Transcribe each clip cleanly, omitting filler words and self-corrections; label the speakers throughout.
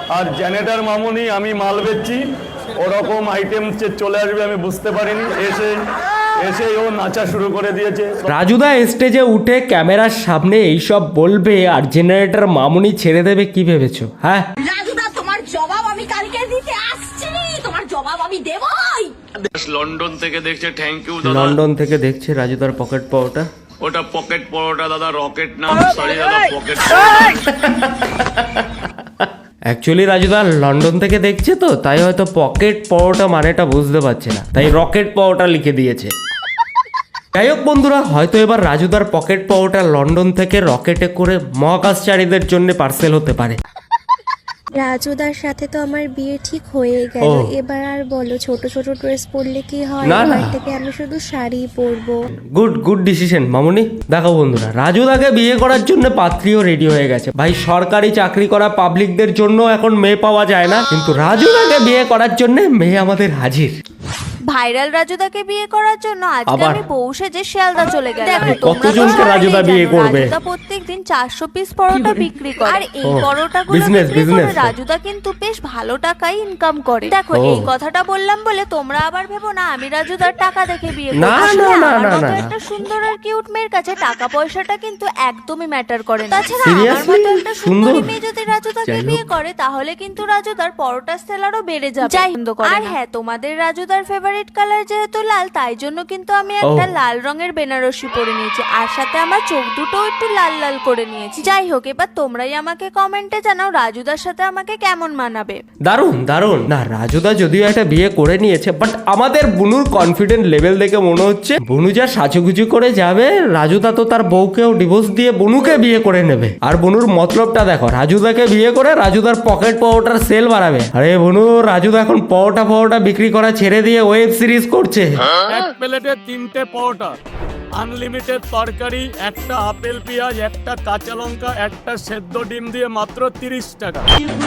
Speaker 1: আর generator মামুনি আমি মাল বেচছি, ওরকম আইটেম চলে আসবে আমি বুঝতে পারিনি। এসে ও নাচা শুরু করে দিয়েছে।
Speaker 2: রাজুদা স্টেজে উঠে ক্যামেরার সামনে এইসব বলবে আর জেনারেটর মামুনি ছেড়ে দেবে কি ভেবেছো? হ্যাঁ
Speaker 3: রাজুদা, তোমার জবাব আমি কালকে দিতে আসছি, তোমার জবাব আমি দেবই।
Speaker 1: লন্ডন থেকে দেখছে, থ্যাংক ইউ দাদা।
Speaker 2: লন্ডন থেকে দেখছে রাজুদার পকেট পাওয়াটা।
Speaker 1: ওটা পকেট পরোটা দাদা, রকেট না, সরি দাদা, পকেট।
Speaker 2: অ্যাকচুয়ালি রাজুদা লন্ডন থেকে দেখছে তো, তাই হয়তো পকেট পরোটা মানেটা বুঝতে পারছে না, তাই রকেট পরোটা লিখে দিয়েছে। যাই হোক বন্ধুরা, হয়তো এবার রাজুদার পকেট পাওয়াটা লন্ডন থেকে রকেটে করে মহাকাশচারীদের জন্য পার্সেল হতে পারে।
Speaker 4: রাজুদার সাথে তো আমার বিয়ে ঠিক হয়ে গেল, এবার আর বলো ছোট ছোট ড্রেস পরলে কি হয়? এবার থেকে আমি শুধু শাড়ি পরবো।
Speaker 2: গুড ডিসিশন মামুনি। দেখো বন্ধুরা, রাজুদাকে বিয়ে করার জন্য পাত্রীও রেডি হয়ে গেছে। ভাই সরকারি চাকরি করা পাবলিকদের জন্য এখন মেয়ে পাওয়া যায় না, কিন্তু রাজুদাকে বিয়ে করার জন্য মেয়ে আমাদের হাজির।
Speaker 5: ভাইরাল রাজুদাকে বিয়ে করার জন্য আজকে আমি বউ সেজে শিয়ালদা চলে গেলাম। দেখো
Speaker 2: কতজনকে রাজুদা বিয়ে করবে?
Speaker 5: রাজুদা প্রত্যেকদিন 400 পিস পরোটা বিক্রি করে, আর এই পরোটাগুলো
Speaker 2: বিজনেস
Speaker 5: রাজুদা কিন্তু বেশ ভালো টাকাই ইনকাম করে। দেখো এই কথাটা বললাম বলে তোমরা আবার ভেবো না আমি রাজুদার টাকা দেখে বিয়ে করি। না, একটা সুন্দর আর কিউট মেয়ের কাছে টাকা পয়সাটা কিন্তু একদমই ম্যাটার করে না। তাছাড়া আমার মতো একটা সুন্দরী মেয়ে যদি রাজুদাকে বিয়ে করে তাহলে কিন্তু রাজুদার পরোটা সেলারও বেড়ে যাবে। আর হ্যাঁ, তোমাদের রাজুদার ফেভারিট কালার যেহেতু লাল, তাই জন্য কিন্তু আমি একটা লাল রঙের বেনারসি পরে নিয়েছি, আর সাথে আমার চোখ দুটো একটু লাল লাল করে নিয়েছি। যাই হোক, এবার তোমরাই আমাকে কমেন্টে জানাও রাজুদার সাথে আমাকে কেমন মানাবে।
Speaker 2: দারুন না, রাজুদা যদিও একটা বিয়ে করে নিয়েছে, বাট আমাদের বুনুর কনফিডেন্ট লেভেল দেখে মনে হচ্ছে বুনু যা সাজুগুজু করে যাবে, রাজুদা তো তার বউকেও ডিভোর্স দিয়ে বুনুকে বিয়ে করে নেবে। আর বুনুর মতলবটা দেখো, রাজুদাকে বিয়ে করে রাজুদার পকেট পাওয়াটার সেল বাড়াবে। আরে বুনু, রাজুদা এখন পাওয়াটা বিক্রি করা ছেড়ে দিয়ে ওয়েব সিরিজ করছে।
Speaker 6: এক প্লেটে 3টে পরোটা, আনলিমিটেড তরকারি, একটা আপেল পেঁয়াজ, একটা কাঁচা লঙ্কা, একটা সেদ্ধ ডিম দিয়ে মাত্র 30 টাকা।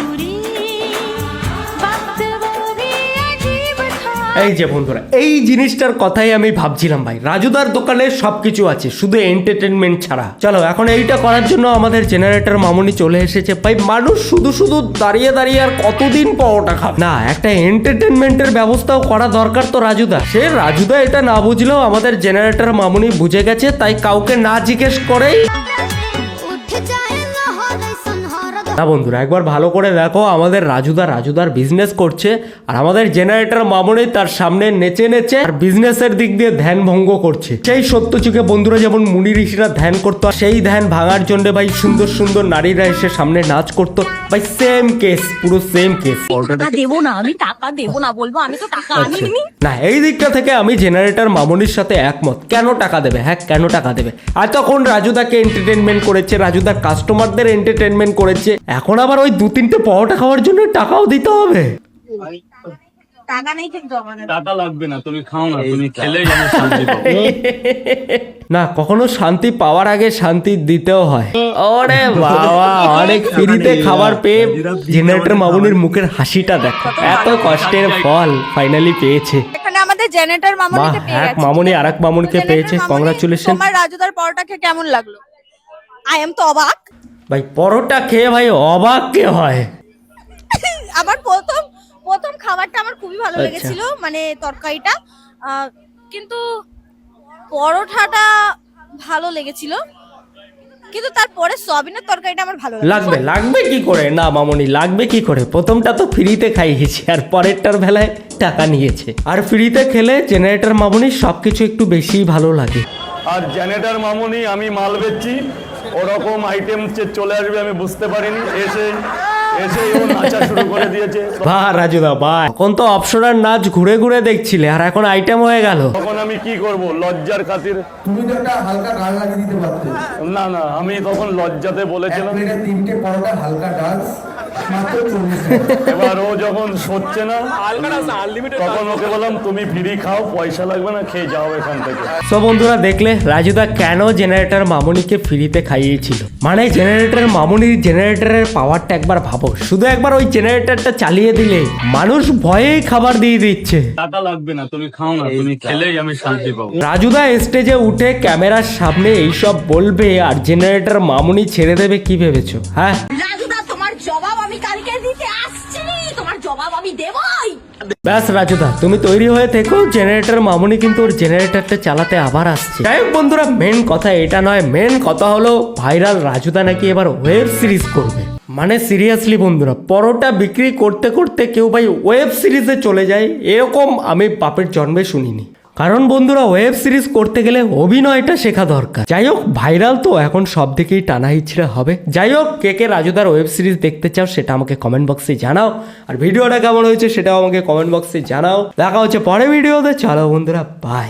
Speaker 2: এই যে বন্ধুরা, এই জিনিসটার কথাই আমি ভাবছিলাম ভাই, রাজুদার দোকানে সবকিছু আছে শুধু এন্টারটেনমেন্ট ছাড়া। চলো এখন এইটা করার জন্য আমাদের জেনারেটর মামুনি চলে এসেছে। ভাই মানুষ শুধু দাঁড়িয়ে আর কতদিন পরোটা খাবে? না, একটা এন্টারটেনমেন্টের ব্যবস্থাও করা দরকার তো রাজুদা এটা না বুঝলেও আমাদের জেনারেটর মামুনি বুঝে গেছে, তাই কাউকে না জিজ্ঞেস করেই না বন্ধুরা, একবার ভালো করে দেখো, আমাদের রাজুদার বিজনেস করছে আর আমাদের জেনারেটর মামুনি তার সামনে নেচে আর বিজনেসের দিক দিয়ে ধ্যান ভঙ্গ করছে। সেই সত্য যুগে বন্ধুরা যেমন মুনি ঋষিরা ধ্যান করতো, সেই ধ্যান ভাঙার জন্য ভাই সুন্দর নারীরা এসে সামনে নাচ করতো। ভাই সেম কেস, পুরো সেম কেস।
Speaker 3: দেবো না, আমি টাকা দেবো না, বলবো আমি তো টাকা আনিনি।
Speaker 2: না, এই দিকটা থেকে আমি জেনারেটর মামুনির সাথে একমত। কেন টাকা দেবে? হ্যাঁ, কেন টাকা দেবে? আর তখন রাজুদাকে এন্টারটেনমেন্ট করেছে, রাজুদার কাস্টমারদের এন্টারটেনমেন্ট করেছে, এখন আবার ওই 2-3টে পরোটা খাওয়ার জন্য টাকাও দিতে হবে?
Speaker 3: টাকা নেই কিন্তু আমাদের।
Speaker 6: টাকা লাগবে না, তুমি খাও না, তুমি খেলেই আমি শান্তি পাবো।
Speaker 2: না, কখনো শান্তি পাওয়ার আগে শান্তি দিতেও হয়। ওরে বাবা, অনেক ফ্রিতে খাবার পেয়ে জেনারেটর মামুনির মুখের হাসিটা দেখো, এত কষ্টের ফল ফাইনালি পেয়েছে।
Speaker 5: এখানে আমাদের জেনারেটর মামুনিকে পেয়ে গেছে।
Speaker 2: মামুনি আরেক মামুনিকে পেয়েছে, কংগ্রাচুলেশন।
Speaker 5: তোমার রাজুদার পরোটা খেয়ে কেমন লাগলো?
Speaker 3: আই এম তো অবাক।
Speaker 2: ভাই পরোটা খেয়ে ভাই অবাক কে হয়?
Speaker 3: আমার প্রথম খাবারটা আমার খুবই ভালো লেগেছিল, মানে তরকারিটা, কিন্তু পরোটাটা ভালো লেগেছিল, কিন্তু তারপরে সয়াবিনের তরকারিটা আমার ভালো
Speaker 2: লাগবে কি করে? না মামুনি, লাগবে কি করে? প্রথমটা তো ফ্রিতে খাইয়েছি আর পরেরটার বেলায় টাকা নিয়েছে। আর ফ্রিতে খেলে জেনারেটর মামুনি সবকিছু একটু বেশিই ভালো লাগে।
Speaker 1: আর জেনারেটর মামুনি আমি মাল বেচছি, ওরকম আইটেম চলে আসবে আমি বুঝতে পারিনি। এসে ও নাচা শুরু করে দিয়েছে।
Speaker 2: বাহ রাজুদা বাহ, এখন তো অপশনাল নাচ ঘুরে দেখছিলে, আর এখন আইটেম হয়ে গেল।
Speaker 1: তখন আমি কি করব, লজ্জার খাতির।
Speaker 7: তুমি তো একটা হালকা গান লাগিয়ে দিতে পারতে।
Speaker 1: না, আমি তখন লজ্জাতে বলেছিলাম।
Speaker 7: 3টে পরোটা হালকা ডান্স মাত্র 40 টাকা।
Speaker 1: এবার ও যখন সচ্ছে না, তখন ওকে বললাম তুমি ফ্রি খাও, পয়সা লাগবে না, খেয়ে যাও এখান থেকে।
Speaker 2: সো বন্ধুরা দেখলে রাজুদা কেন জেনারেটর মামুনিকে ফ্রিতে খাইয়েছিল। মানে জেনারেটর মামুনির জেনারেটরের পাওয়ারটা একবার ভাবো, শুধু একবার ওই জেনারেটরটা চালিয়ে দিলে মানুষ ভয়েই খাবার দিয়ে দিচ্ছে।
Speaker 6: টাকা লাগবে না, তুমি খাও না, তুমি খেলেই আমি শান্তি পাবো।
Speaker 2: রাজুদা স্টেজে উঠে ক্যামেরার সামনে এইসব বলবে আর জেনারেটর মামুনি ছেড়ে দেবে কি ভেবেছো? হ্যাঁ
Speaker 3: রাজুদা, তোমার জবাব আমি কালকে দিতে আসছি। আমি দেবই।
Speaker 2: ব্যাস রাজুদা তুমি তৈরি হয়ে থেকো, জেনারেটর মামুনি কিন্তু ওর জেনারেটরটা চালাতে আবার আসছে। যাই হোক বন্ধুরা, মেন কথা এটা নয়, মেন কথা হলো ভাইরাল রাজুদা নাকি এবার ওয়েব সিরিজ করবে। মানে সিরিয়াসলি বন্ধুরা, পরোটা বিক্রি করতে করতে কেউ ভাই ওয়েব সিরিজে চলে যায়, এরকম আমি বাপের জন্মে শুনিনি। কারণ বন্ধুরা, ওয়েব সিরিজ করতে গেলে অভিনয়টা শেখা দরকার। যাই হোক, ভাইরাল তো এখন সব দিকেই টানা হিচড়ে হবে। যাই হোক, কে কে রাজুদার ওয়েব সিরিজ দেখতে চাও সেটা আমাকে কমেন্ট বক্সে জানাও, আর ভিডিওটা কেমন হয়েছে সেটাও আমাকে কমেন্ট বক্সে জানাও। দেখা হচ্ছে পরে ভিডিওতে। চলো বন্ধুরা, বাই।